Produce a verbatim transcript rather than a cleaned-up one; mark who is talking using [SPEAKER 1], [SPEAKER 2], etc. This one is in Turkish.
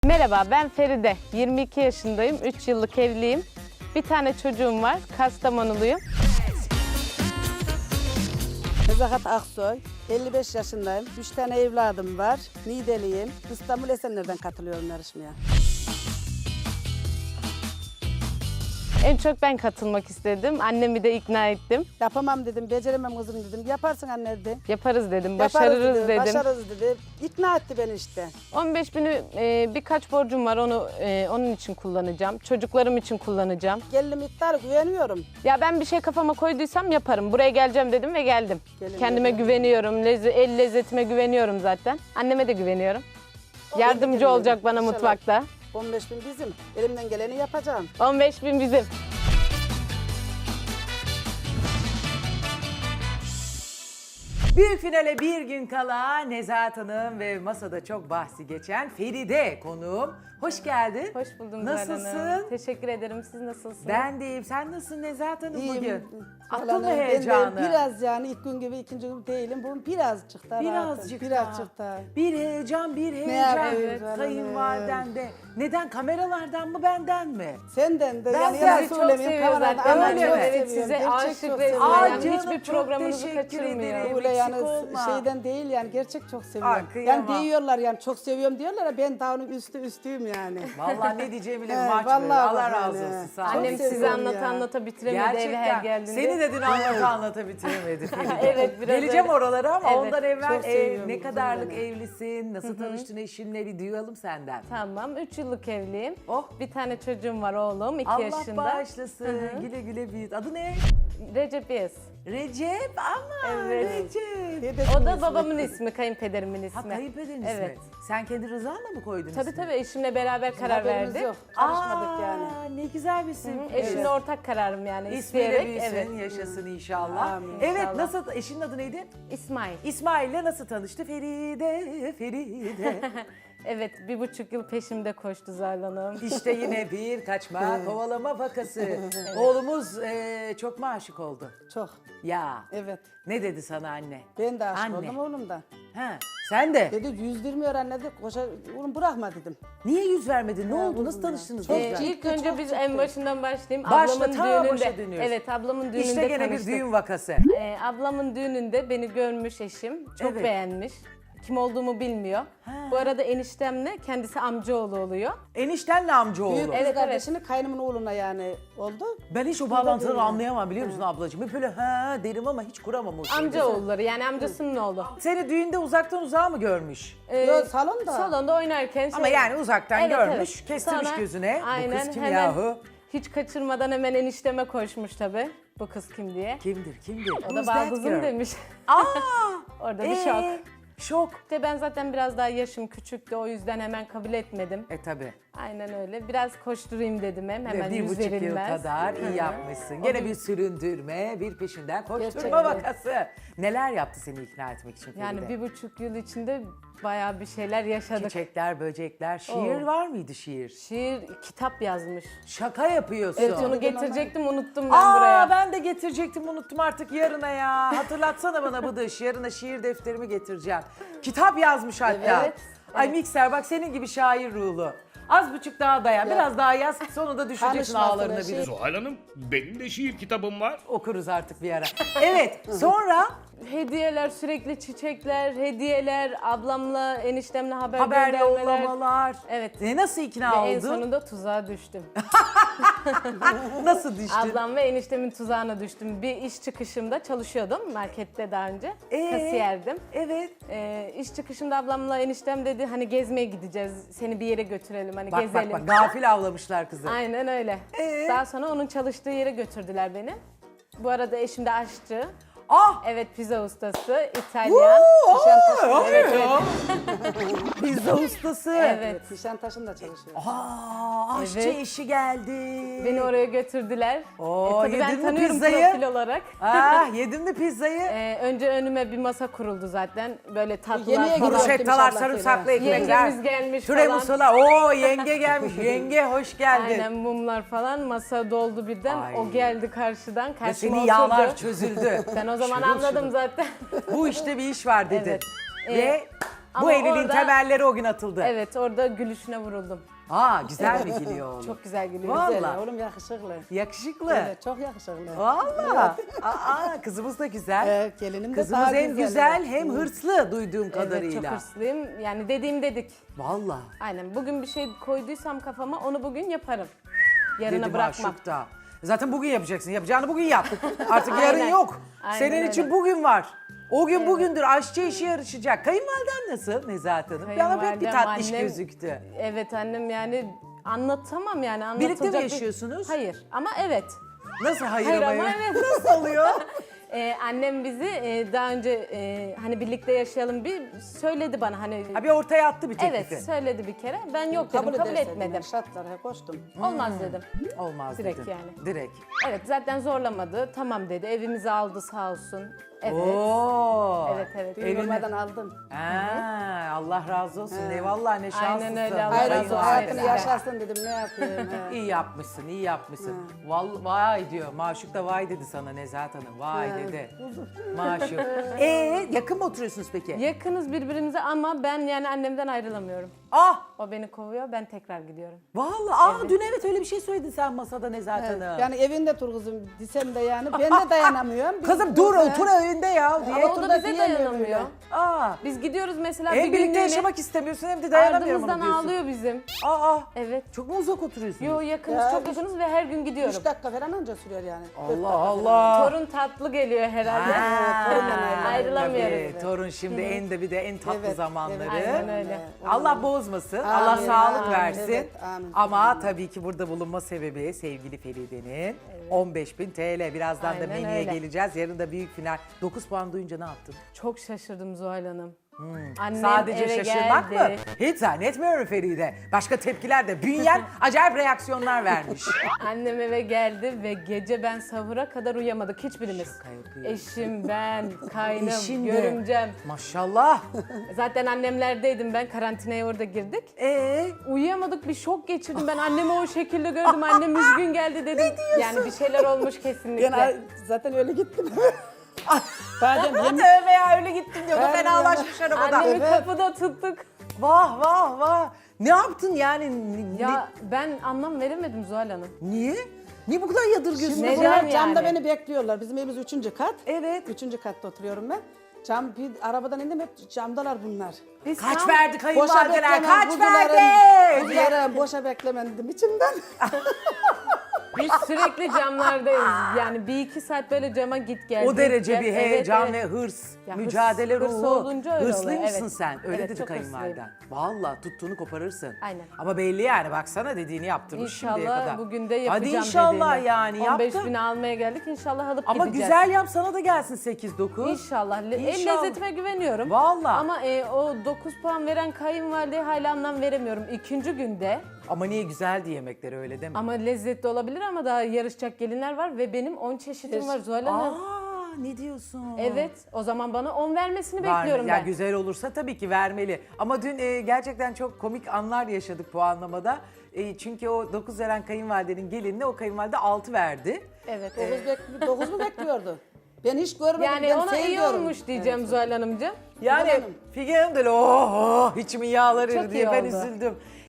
[SPEAKER 1] Merhaba, ben Feride. yirmi iki yaşındayım, üç yıllık evliyim. Bir tane çocuğum var, Kastamonuluyum.
[SPEAKER 2] Nezahat Aksoy, elli beş yaşındayım. üç tane evladım var. Niğdeliyim. İstanbul Esenler'den katılıyorum yarışmaya.
[SPEAKER 1] En çok ben katılmak istedim. Annemi de ikna ettim.
[SPEAKER 2] Yapamam dedim, beceremem kızım dedim. Yaparsın anne dedi.
[SPEAKER 1] Yaparız dedim,
[SPEAKER 2] Yaparız
[SPEAKER 1] başarırız
[SPEAKER 2] dedi,
[SPEAKER 1] dedim.
[SPEAKER 2] Başarırız dedi. İkna etti beni işte.
[SPEAKER 1] on beş bini e, birkaç borcum var, onu e, onun için kullanacağım. Çocuklarım için kullanacağım.
[SPEAKER 2] Gelinim iddialı güveniyorum.
[SPEAKER 1] Ya ben bir şey kafama koyduysam yaparım. Buraya geleceğim dedim ve geldim.
[SPEAKER 2] Gelin
[SPEAKER 1] Kendime
[SPEAKER 2] dedim.
[SPEAKER 1] güveniyorum, lezze- el lezzetime güveniyorum zaten. Anneme de güveniyorum. Yardımcı
[SPEAKER 2] gelin
[SPEAKER 1] olacak
[SPEAKER 2] dedim,
[SPEAKER 1] bana
[SPEAKER 2] inşallah.
[SPEAKER 1] mutfakta.
[SPEAKER 2] on beş bin bizim. Elimden geleni yapacağım.
[SPEAKER 1] on beş bin bizim.
[SPEAKER 3] Büyük finale bir gün kala Nezahat Hanım ve masada çok bahsi geçen Feride konuğum. Hoş geldin.
[SPEAKER 1] Hoş buldum Zuhal Hanım.
[SPEAKER 3] Nasılsın?
[SPEAKER 1] Teşekkür ederim. Siz nasılsınız?
[SPEAKER 3] Ben de iyiyim. Sen nasılsın Nezahat Hanım
[SPEAKER 2] İyiyim.
[SPEAKER 3] bugün?
[SPEAKER 2] Vallahi
[SPEAKER 3] Attın mı
[SPEAKER 2] ben de
[SPEAKER 3] heyecanı?
[SPEAKER 2] Biraz yani ilk gün gibi ikinci gün değilim. Bugün birazcık daha rahatım.
[SPEAKER 3] Birazcık
[SPEAKER 2] Birazcık
[SPEAKER 3] daha.
[SPEAKER 2] daha.
[SPEAKER 3] Bir heyecan, bir
[SPEAKER 2] yapayım
[SPEAKER 3] heyecan.
[SPEAKER 2] canım?
[SPEAKER 3] Kayınvaliden de. Neden? Kameralardan mı, benden mi?
[SPEAKER 2] Senden de
[SPEAKER 3] Ben
[SPEAKER 2] yani
[SPEAKER 3] sizi
[SPEAKER 2] yalan
[SPEAKER 1] çok
[SPEAKER 2] söylemeyeyim.
[SPEAKER 1] seviyoruz
[SPEAKER 2] Kamerada
[SPEAKER 1] zaten.
[SPEAKER 2] ama
[SPEAKER 3] Öyle
[SPEAKER 2] çok
[SPEAKER 3] mi?
[SPEAKER 1] Evet,
[SPEAKER 2] seviyorum.
[SPEAKER 1] size
[SPEAKER 2] Gerçek
[SPEAKER 1] aşık
[SPEAKER 2] çok
[SPEAKER 1] resmen.
[SPEAKER 2] seviyorum.
[SPEAKER 3] Aa,
[SPEAKER 1] Yani
[SPEAKER 3] canım,
[SPEAKER 1] hiçbir
[SPEAKER 3] çok
[SPEAKER 1] programınızı
[SPEAKER 3] teşekkür
[SPEAKER 1] kaçırmıyor.
[SPEAKER 3] ederim.
[SPEAKER 2] Öyle yani
[SPEAKER 3] Eksik olma.
[SPEAKER 2] şeyden değil yani gerçek çok seviyorum.
[SPEAKER 3] Aa, kıyamam.
[SPEAKER 2] yani diyorlar yani çok seviyorum diyorlar ya ben daha onun üstü üstüyüm yani.
[SPEAKER 3] Vallahi ne diyeceğimi bile
[SPEAKER 2] He,
[SPEAKER 3] maç
[SPEAKER 2] vallahi
[SPEAKER 3] böyle. Allah
[SPEAKER 2] bak
[SPEAKER 3] razı
[SPEAKER 2] yani.
[SPEAKER 3] olsun. Sağ ol.
[SPEAKER 1] Annem
[SPEAKER 2] Çok
[SPEAKER 1] sizi
[SPEAKER 2] seviyorum
[SPEAKER 1] anlata
[SPEAKER 2] ya.
[SPEAKER 1] anlata bitiremedi eve her
[SPEAKER 3] Gerçekten.
[SPEAKER 1] geldiğinde.
[SPEAKER 3] Seni de dün anlata anlata bitiremedi Feride.
[SPEAKER 1] Evet, biraz
[SPEAKER 3] Geleceğim
[SPEAKER 1] öyle.
[SPEAKER 3] oralara ama
[SPEAKER 1] Evet,
[SPEAKER 3] ondan evvel
[SPEAKER 2] çok
[SPEAKER 3] e,
[SPEAKER 2] seviyorum
[SPEAKER 3] ne
[SPEAKER 2] kızım
[SPEAKER 3] kadarlık
[SPEAKER 2] beni.
[SPEAKER 3] evlisin, nasıl tanıştın eşinle bir duyalım senden.
[SPEAKER 1] Tamam, üç yıllık evliyim.
[SPEAKER 3] Oh.
[SPEAKER 1] Bir tane çocuğum var oğlum, iki
[SPEAKER 3] Allah
[SPEAKER 1] yaşında.
[SPEAKER 3] bağışlasın. Güle güle büyüt. Adı ne?
[SPEAKER 1] Recep Yes.
[SPEAKER 3] Recep ama
[SPEAKER 1] Evet.
[SPEAKER 3] Recep.
[SPEAKER 2] Dedemin
[SPEAKER 1] O da
[SPEAKER 2] ismi.
[SPEAKER 1] babamın ismi, kayınpederimin ismi.
[SPEAKER 3] Ha kayınpederin
[SPEAKER 1] Evet.
[SPEAKER 3] ismi. Sen kendi rızanla mı koydun
[SPEAKER 1] Tabii
[SPEAKER 3] ismini?
[SPEAKER 1] tabii, eşimle beraber karar
[SPEAKER 2] Haberimiz
[SPEAKER 1] verdik.
[SPEAKER 2] yok. Karışmadık
[SPEAKER 3] Aa,
[SPEAKER 2] yani.
[SPEAKER 3] ne güzel bir isim.
[SPEAKER 1] Eşimle ortak kararım yani,
[SPEAKER 3] İsmiyle
[SPEAKER 1] isteyerek.
[SPEAKER 3] büyüsün,
[SPEAKER 1] Evet.
[SPEAKER 3] yaşasın inşallah.
[SPEAKER 2] Amin.
[SPEAKER 3] Evet,
[SPEAKER 1] İnşallah.
[SPEAKER 3] nasıl, eşinin adı neydi?
[SPEAKER 1] İsmail.
[SPEAKER 3] İsmail'le nasıl tanıştı? Feride, Feride.
[SPEAKER 1] Evet, bir buçuk yıl peşimde koştu Zuhal Hanım.
[SPEAKER 3] İşte yine bir kaçma, kovalama vakası. Oğlumuz eee, çok mu aşık oldu?
[SPEAKER 2] Çok.
[SPEAKER 3] Ya.
[SPEAKER 2] Evet.
[SPEAKER 3] Ne dedi sana anne?
[SPEAKER 2] Ben de aşık
[SPEAKER 3] Anne.
[SPEAKER 2] oldum oğlumdan.
[SPEAKER 3] Ha, sen de.
[SPEAKER 2] Dedi yüz vermiyor anne dedi. Koşa, oğlum bırakma dedim.
[SPEAKER 3] Niye yüz vermedin? Ne oldu? Nasıl
[SPEAKER 2] kızım ya.
[SPEAKER 3] tanıştınız?
[SPEAKER 2] Çok
[SPEAKER 3] yüz
[SPEAKER 1] Ee,
[SPEAKER 3] ver-
[SPEAKER 1] ilk önce
[SPEAKER 2] çok
[SPEAKER 1] biz
[SPEAKER 2] ciddi.
[SPEAKER 1] en başından başlayayım.
[SPEAKER 3] Başla,
[SPEAKER 1] ablamın
[SPEAKER 3] ta
[SPEAKER 1] düğününde.
[SPEAKER 3] başa dönüyoruz.
[SPEAKER 1] Evet, ablamın düğününde
[SPEAKER 3] İşte gene bir
[SPEAKER 1] tanıştık.
[SPEAKER 3] düğün vakası.
[SPEAKER 1] Ee, ablamın düğününde beni görmüş eşim. Çok
[SPEAKER 3] Evet.
[SPEAKER 1] beğenmiş. Kim olduğumu bilmiyor. Bu arada eniştemle kendisi amcaoğlu oluyor.
[SPEAKER 3] Eniştenle amcaoğlu.
[SPEAKER 2] Büyük kız
[SPEAKER 1] Evet,
[SPEAKER 2] kardeşini kaynımın oğluna yani oldu.
[SPEAKER 3] Ben hiç o bağlantıları anlayamam biliyor musun ablacığım? Hep böyle ha derim ama hiç kuramam o şeyi.
[SPEAKER 1] Amcaoğulları yani amcasının oğlu.
[SPEAKER 3] Seni düğünde uzaktan uzağa mı görmüş?
[SPEAKER 1] Ee,
[SPEAKER 2] Yo, salonda.
[SPEAKER 1] Salonda oynarken şey...
[SPEAKER 3] Ama yani uzaktan
[SPEAKER 1] Evet,
[SPEAKER 3] görmüş,
[SPEAKER 1] evet.
[SPEAKER 3] kestirmiş
[SPEAKER 1] Sonra-
[SPEAKER 3] gözüne.
[SPEAKER 1] Aynen,
[SPEAKER 3] Bu kız kim
[SPEAKER 1] hemen
[SPEAKER 3] yahu?
[SPEAKER 1] Hiç kaçırmadan hemen enişteme koşmuş tabii. Bu kız kim diye.
[SPEAKER 3] Kimdir, kimdir?
[SPEAKER 1] O
[SPEAKER 3] Who's
[SPEAKER 1] da
[SPEAKER 3] that
[SPEAKER 1] baldızım
[SPEAKER 3] girl?
[SPEAKER 1] demiş.
[SPEAKER 3] Aa!
[SPEAKER 1] Orada bir
[SPEAKER 3] Ee,
[SPEAKER 1] şok.
[SPEAKER 3] Şok.
[SPEAKER 1] İşte ben zaten biraz daha yaşım küçüktü, o yüzden hemen kabul etmedim.
[SPEAKER 3] E tabi.
[SPEAKER 1] Aynen öyle. Biraz koşturayım dedim hem. Hemen
[SPEAKER 3] Bir
[SPEAKER 1] yüz
[SPEAKER 3] buçuk yıl
[SPEAKER 1] verilmez.
[SPEAKER 3] kadar iyi
[SPEAKER 1] Hı hı.
[SPEAKER 3] yapmışsın. Gene bir süründürme, bir peşinden koşturma
[SPEAKER 2] Gerçekten.
[SPEAKER 3] vakası. Neler yaptı seni ikna etmek için
[SPEAKER 1] Yani
[SPEAKER 3] Feride?
[SPEAKER 1] bir buçuk yıl içinde bayağı bir şeyler yaşadık.
[SPEAKER 3] Çiçekler, böcekler, şiir
[SPEAKER 1] Oo.
[SPEAKER 3] var mıydı şiir?
[SPEAKER 1] Şiir, kitap yazmış.
[SPEAKER 3] Şaka yapıyorsun.
[SPEAKER 1] Evet, onu getirecektim, unuttum ben
[SPEAKER 3] Aa,
[SPEAKER 1] buraya.
[SPEAKER 3] ben de getirecektim, unuttum artık yarına ya. Hatırlatsana bana Bıdış, yarına şiir defterimi getireceğim. Kitap yazmış hatta.
[SPEAKER 1] Evet,
[SPEAKER 3] Ay mikser bak senin gibi şair ruhlu. Az buçuk daha dayan, biraz daha yaz, sonunda düşeceksin
[SPEAKER 2] Tanışmasın
[SPEAKER 3] ağlarına
[SPEAKER 2] her şey.
[SPEAKER 3] bir.
[SPEAKER 4] Zuhal Hanım, benim de şiir kitabım var.
[SPEAKER 3] Okuruz artık bir ara. Evet, sonra
[SPEAKER 1] Hediyeler, sürekli çiçekler, hediyeler, ablamla, eniştemle haber,
[SPEAKER 3] haber
[SPEAKER 1] göndermeler.
[SPEAKER 3] yollamalar.
[SPEAKER 1] Evet.
[SPEAKER 3] E, nasıl ikna
[SPEAKER 1] Ve en
[SPEAKER 3] oldun?
[SPEAKER 1] sonunda tuzağa düştüm.
[SPEAKER 3] Nasıl düştün?
[SPEAKER 1] Ablam ve eniştemin tuzağına düştüm. Bir iş çıkışımda çalışıyordum markette daha önce.
[SPEAKER 3] Ee?
[SPEAKER 1] Kasiyerdim.
[SPEAKER 3] Evet.
[SPEAKER 1] Ee, iş çıkışımda ablamla eniştem dedi hani gezmeye gideceğiz. Seni bir yere götürelim hani
[SPEAKER 3] Bak
[SPEAKER 1] gezelim.
[SPEAKER 3] bak bak gafil avlamışlar kızı.
[SPEAKER 1] Aynen öyle.
[SPEAKER 3] Ee?
[SPEAKER 1] Daha sonra onun çalıştığı yere götürdüler beni. Bu arada eşim de aşçı.
[SPEAKER 3] Ah!
[SPEAKER 1] Evet, pizza ustası, İtalyan.
[SPEAKER 3] Woo!
[SPEAKER 1] Nişantaşı-
[SPEAKER 3] Aa,
[SPEAKER 1] Evet,
[SPEAKER 3] ya.
[SPEAKER 1] evet.
[SPEAKER 3] Pizza ustası.
[SPEAKER 1] Evet.
[SPEAKER 2] Nişantaşı'nda çalışıyor.
[SPEAKER 3] Aa, aşçı
[SPEAKER 1] Evet.
[SPEAKER 3] işi geldi.
[SPEAKER 1] Beni oraya götürdüler.
[SPEAKER 3] Oo,
[SPEAKER 1] tabii ben
[SPEAKER 3] yedin mi
[SPEAKER 1] tanıyorum
[SPEAKER 3] pizzayı?
[SPEAKER 1] profil olarak.
[SPEAKER 3] Ah, yedin mi pizzayı?
[SPEAKER 1] Ee, önce önüme bir masa kuruldu zaten. Böyle tatlılar
[SPEAKER 2] Yemeğe
[SPEAKER 1] falan.
[SPEAKER 2] gidiyor.
[SPEAKER 3] Bruschettalar,
[SPEAKER 2] İnşallah
[SPEAKER 3] sarımsaklı
[SPEAKER 2] söyle.
[SPEAKER 3] ekmekler.
[SPEAKER 1] Yengemiz gelmiş
[SPEAKER 3] Türemusular. Oo, yenge gelmiş. Yenge hoş geldin.
[SPEAKER 1] Aynen, mumlar falan. Masa doldu birden.
[SPEAKER 3] Ay.
[SPEAKER 1] O geldi karşıdan.
[SPEAKER 3] Ve
[SPEAKER 1] Karşıma
[SPEAKER 3] senin
[SPEAKER 1] oturdu.
[SPEAKER 3] yağlar çözüldü.
[SPEAKER 1] Ben o zaman
[SPEAKER 3] Şırıl
[SPEAKER 1] anladım
[SPEAKER 3] şırıl.
[SPEAKER 1] zaten.
[SPEAKER 3] Bu işte bir iş var dedi.
[SPEAKER 1] Evet.
[SPEAKER 3] Ve
[SPEAKER 1] Ama
[SPEAKER 3] Bu evliliğin
[SPEAKER 1] orada-
[SPEAKER 3] temelleri o gün atıldı.
[SPEAKER 1] Evet, orada gülüşüne vuruldum.
[SPEAKER 3] Aa, güzel mi gülüyor oğlum?
[SPEAKER 1] Çok güzel gülüyor.
[SPEAKER 3] Vallahi.
[SPEAKER 2] Güzel, oğlum yakışıklı.
[SPEAKER 3] Yakışıklı.
[SPEAKER 2] Evet, çok yakışıklı.
[SPEAKER 3] Valla. Aa, kızımız da güzel.
[SPEAKER 2] Evet, gelinim de
[SPEAKER 3] Kızımız
[SPEAKER 2] daha
[SPEAKER 3] hem güzel hem
[SPEAKER 2] Hı.
[SPEAKER 3] hırslı duyduğum
[SPEAKER 1] Evet,
[SPEAKER 3] kadarıyla.
[SPEAKER 1] çok hırslıyım. Yani dediğim dedik.
[SPEAKER 3] Valla.
[SPEAKER 1] Aynen. Bugün bir şey koyduysam kafama onu bugün yaparım. Yarına
[SPEAKER 3] Dedi
[SPEAKER 1] bırakmam.
[SPEAKER 3] Maşuk da. Zaten bugün yapacaksın. Yapacağını bugün yap. Artık yarın
[SPEAKER 1] Aynen.
[SPEAKER 3] yok.
[SPEAKER 1] Aynen
[SPEAKER 3] Senin
[SPEAKER 1] öyle.
[SPEAKER 3] için bugün var. O gün bugündür. Aşçı işi yarışacak. Kayınvaliden nasıl Nezahat Hanım? Bana pek bir
[SPEAKER 1] Kayınvalidem,
[SPEAKER 3] tatlış
[SPEAKER 1] annem-
[SPEAKER 3] gözüktü.
[SPEAKER 1] Evet annem yani anlatamam yani anlatılacak.
[SPEAKER 3] Birlikte mi
[SPEAKER 1] bir-
[SPEAKER 3] yaşıyorsunuz?
[SPEAKER 1] Hayır ama evet.
[SPEAKER 3] Nasıl hayır,
[SPEAKER 1] Hayır
[SPEAKER 3] ama
[SPEAKER 1] ama
[SPEAKER 3] evet?
[SPEAKER 1] evet.
[SPEAKER 3] Nasıl oluyor?
[SPEAKER 1] Ee, annem bizi e, daha önce e, hani birlikte yaşayalım bir söyledi bana hani.
[SPEAKER 3] Ha, bir ortaya attı bir teklifi.
[SPEAKER 1] Evet söyledi bir kere. Ben yok dedim kabul,
[SPEAKER 2] edersen
[SPEAKER 1] etmedim.
[SPEAKER 2] yani, şartlara koştum.
[SPEAKER 1] Olmaz dedim.
[SPEAKER 3] Olmaz
[SPEAKER 1] Direkt
[SPEAKER 3] dedin.
[SPEAKER 1] yani.
[SPEAKER 3] Direkt.
[SPEAKER 1] Evet zaten zorlamadı. Tamam dedi. Evimizi aldı sağ olsun. Evet.
[SPEAKER 3] Oo.
[SPEAKER 1] Evet evet.
[SPEAKER 2] Düğün
[SPEAKER 3] Evini-
[SPEAKER 2] olmadan aldım.
[SPEAKER 3] Ha, Allah razı olsun. Eyvallah ne şanslısın.
[SPEAKER 1] öyle, Allah
[SPEAKER 2] Hayırlısı
[SPEAKER 1] razı olsun.
[SPEAKER 2] hayatını
[SPEAKER 1] Evet.
[SPEAKER 2] yaşarsın dedim, ne yapayım. he.
[SPEAKER 3] İyi yapmışsın, iyi yapmışsın. Vallahi vay diyor. Maşuk da vay dedi sana Nezahat Hanım. Vay
[SPEAKER 2] Ha.
[SPEAKER 3] dedi. Maşuk. Ee, yakın mı oturuyorsunuz peki?
[SPEAKER 1] Yakınız birbirimize ama ben yani annemden ayrılamıyorum.
[SPEAKER 3] Ah!
[SPEAKER 1] O beni kovuyor, ben tekrar gidiyorum.
[SPEAKER 3] Vallahi aa dün evet öyle bir şey söyledin sen masada Nezahat
[SPEAKER 2] Evet,
[SPEAKER 3] Hanım.
[SPEAKER 2] yani evinde dur kızım desem de yani ben de dayanamıyorum. Biz
[SPEAKER 3] Kızım dur
[SPEAKER 2] burada-
[SPEAKER 3] otur evinde ya diye.
[SPEAKER 1] Ama o
[SPEAKER 2] otur
[SPEAKER 1] da
[SPEAKER 2] da
[SPEAKER 1] bize
[SPEAKER 2] diyemiyor
[SPEAKER 1] dayanamıyor.
[SPEAKER 2] böyle.
[SPEAKER 3] Aa.
[SPEAKER 1] Biz gidiyoruz mesela
[SPEAKER 3] Hem
[SPEAKER 1] bir
[SPEAKER 3] birlikte
[SPEAKER 1] günlüğüne,
[SPEAKER 3] yaşamak istemiyorsun hem de dayanamıyorum onu
[SPEAKER 1] ardımızdan
[SPEAKER 3] diyorsun.
[SPEAKER 1] ağlıyor bizim.
[SPEAKER 3] Aa.
[SPEAKER 1] Evet.
[SPEAKER 3] Çok mu uzak oturuyorsunuz?
[SPEAKER 1] Yo yakınız,
[SPEAKER 2] Ya,
[SPEAKER 1] çok
[SPEAKER 2] biz-
[SPEAKER 1] yakınız ve her gün gidiyorum.
[SPEAKER 2] Üç dakika falan anca sürüyor yani. Dört
[SPEAKER 3] Allah
[SPEAKER 2] dakika
[SPEAKER 3] Allah.
[SPEAKER 1] Torun tatlı geliyor herhalde.
[SPEAKER 3] Ha,
[SPEAKER 2] torundan ayrılamıyoruz.
[SPEAKER 1] Ayrılamıyoruz.
[SPEAKER 3] Tabii, torun şimdi en de bir de en tatlı
[SPEAKER 2] Evet,
[SPEAKER 3] zamanları.
[SPEAKER 2] evet.
[SPEAKER 1] Aynen öyle.
[SPEAKER 3] Allah bozmasın, Allah
[SPEAKER 2] Amin,
[SPEAKER 3] sağlık
[SPEAKER 2] amin,
[SPEAKER 3] versin.
[SPEAKER 2] evet, amin.
[SPEAKER 3] Ama tabii ki burada bulunma sebebi sevgili Feride'nin on beş bin T L. Birazdan da
[SPEAKER 1] Aynen
[SPEAKER 3] menüye
[SPEAKER 1] öyle.
[SPEAKER 3] geleceğiz. Yarın da büyük final. dokuz puan duyunca ne yaptın?
[SPEAKER 1] Çok şaşırdım Zuhal Hanım. Annem
[SPEAKER 3] Sadece
[SPEAKER 1] eve
[SPEAKER 3] şaşırmak
[SPEAKER 1] geldi.
[SPEAKER 3] mı? Hiç zannetmiyorum Feride. Başka tepkiler de. Bünyen acayip reaksiyonlar vermiş.
[SPEAKER 1] Annem eve geldi ve gece ben sahura kadar uyuyamadık hiçbirimiz.
[SPEAKER 3] Şaka yapıyor.
[SPEAKER 1] Eşim, ben, kaynım,
[SPEAKER 3] Eşin de.
[SPEAKER 1] görümcem.
[SPEAKER 3] Maşallah.
[SPEAKER 1] Zaten annemlerdeydim ben, karantinaya orada girdik.
[SPEAKER 3] Ee,
[SPEAKER 1] Uyuyamadık, bir şok geçirdim. Ben annemi o şekilde gördüm. Annem üzgün geldi dedim. Ne diyorsun? Yani bir şeyler olmuş kesinlikle.
[SPEAKER 2] Ben zaten öyle gittim. Badem yemin
[SPEAKER 3] tövbe ya öyle gittim diyordu.
[SPEAKER 2] Ben
[SPEAKER 3] Fenalaşmış arabada.
[SPEAKER 1] Annemi
[SPEAKER 2] Evet.
[SPEAKER 1] kapıda tuttuk.
[SPEAKER 3] Vah vah vah. Ne yaptın yani? Ni-
[SPEAKER 1] Ya ben anlam veremedim Zuhal Hanım.
[SPEAKER 3] Niye? Niye bu kadar yadırgıyorsun?
[SPEAKER 2] Şimdi
[SPEAKER 1] Neden
[SPEAKER 2] bunlar
[SPEAKER 1] yani?
[SPEAKER 2] camda beni bekliyorlar. Bizim evimiz üçüncü kat.
[SPEAKER 3] Evet.
[SPEAKER 2] Üçüncü katta oturuyorum ben. Cam bir arabadan indim, hep camdalar bunlar.
[SPEAKER 1] Biz
[SPEAKER 3] Kaç
[SPEAKER 1] tam-
[SPEAKER 3] verdi
[SPEAKER 2] Boşa
[SPEAKER 3] kayınvalideler?
[SPEAKER 2] beklemem,
[SPEAKER 3] Kaç
[SPEAKER 2] kuzularım,
[SPEAKER 3] verdi?
[SPEAKER 2] kuzularım, boşa beklemem dedim içimden.
[SPEAKER 1] Biz sürekli camlardayız. Yani bir iki saat böyle cama git gel.
[SPEAKER 3] O
[SPEAKER 1] git
[SPEAKER 3] derece
[SPEAKER 1] gel.
[SPEAKER 3] bir
[SPEAKER 1] Evet,
[SPEAKER 3] heyecan
[SPEAKER 1] evet.
[SPEAKER 3] ve hırs,
[SPEAKER 1] Ya
[SPEAKER 3] mücadele
[SPEAKER 1] hırs- hırs
[SPEAKER 3] ruhu.
[SPEAKER 1] olunca öyle
[SPEAKER 3] Hırslı
[SPEAKER 1] oluyor,
[SPEAKER 3] mısın
[SPEAKER 1] evet.
[SPEAKER 3] sen? Öyle
[SPEAKER 1] Evet,
[SPEAKER 3] dedi
[SPEAKER 1] çok
[SPEAKER 3] kayınvaliden.
[SPEAKER 1] hırslıyım.
[SPEAKER 3] Vallahi tuttuğunu koparırsın.
[SPEAKER 1] Aynen.
[SPEAKER 3] Ama belli yani baksana dediğini yaptırmış şimdiye kadar.
[SPEAKER 1] İnşallah bugün de yapacağım
[SPEAKER 3] Hadi inşallah
[SPEAKER 1] dediğini.
[SPEAKER 3] yani
[SPEAKER 1] on beş
[SPEAKER 3] yaptın.
[SPEAKER 1] bin almaya geldik, inşallah alıp
[SPEAKER 3] Ama
[SPEAKER 1] gideceğiz.
[SPEAKER 3] güzel yap sana da gelsin sekiz dokuz.
[SPEAKER 1] İnşallah. Le- El
[SPEAKER 3] İnşallah.
[SPEAKER 1] lezzetime güveniyorum.
[SPEAKER 3] Vallahi.
[SPEAKER 1] Ama e, o dokuz puan veren kayınvalideye hala anlam veremiyorum. İkinci günde
[SPEAKER 3] Ama niye güzeldi yemekleri öyle deme.
[SPEAKER 1] ama lezzetli olabilir ama daha yarışacak gelinler var ve benim on çeşidim var Zuhal Hanım.
[SPEAKER 3] Aa ne diyorsun?
[SPEAKER 1] Evet, o zaman bana on vermesini
[SPEAKER 3] Var mı?
[SPEAKER 1] bekliyorum
[SPEAKER 3] Ya
[SPEAKER 1] ben.
[SPEAKER 3] güzel olursa tabii ki vermeli. Ama dün e, gerçekten çok komik anlar yaşadık puanlamada. E, çünkü o dokuz veren kayınvalidenin gelinine o kayınvalide altı verdi.
[SPEAKER 1] Evet.
[SPEAKER 2] Dokuz, bek dokuz mu bekliyordu? Ben hiç görmedim.
[SPEAKER 1] Yani
[SPEAKER 2] ben
[SPEAKER 1] ona iyi
[SPEAKER 2] seviyorum.
[SPEAKER 1] olmuş diyeceğim Zuhal Hanımcığım.
[SPEAKER 3] Yani
[SPEAKER 2] Hanım.
[SPEAKER 3] Figen Hanım da öyle, oh, oh içimin yağları
[SPEAKER 1] Çok
[SPEAKER 3] eridi diye
[SPEAKER 1] iyi
[SPEAKER 3] ben
[SPEAKER 1] oldu.
[SPEAKER 3] üzüldüm.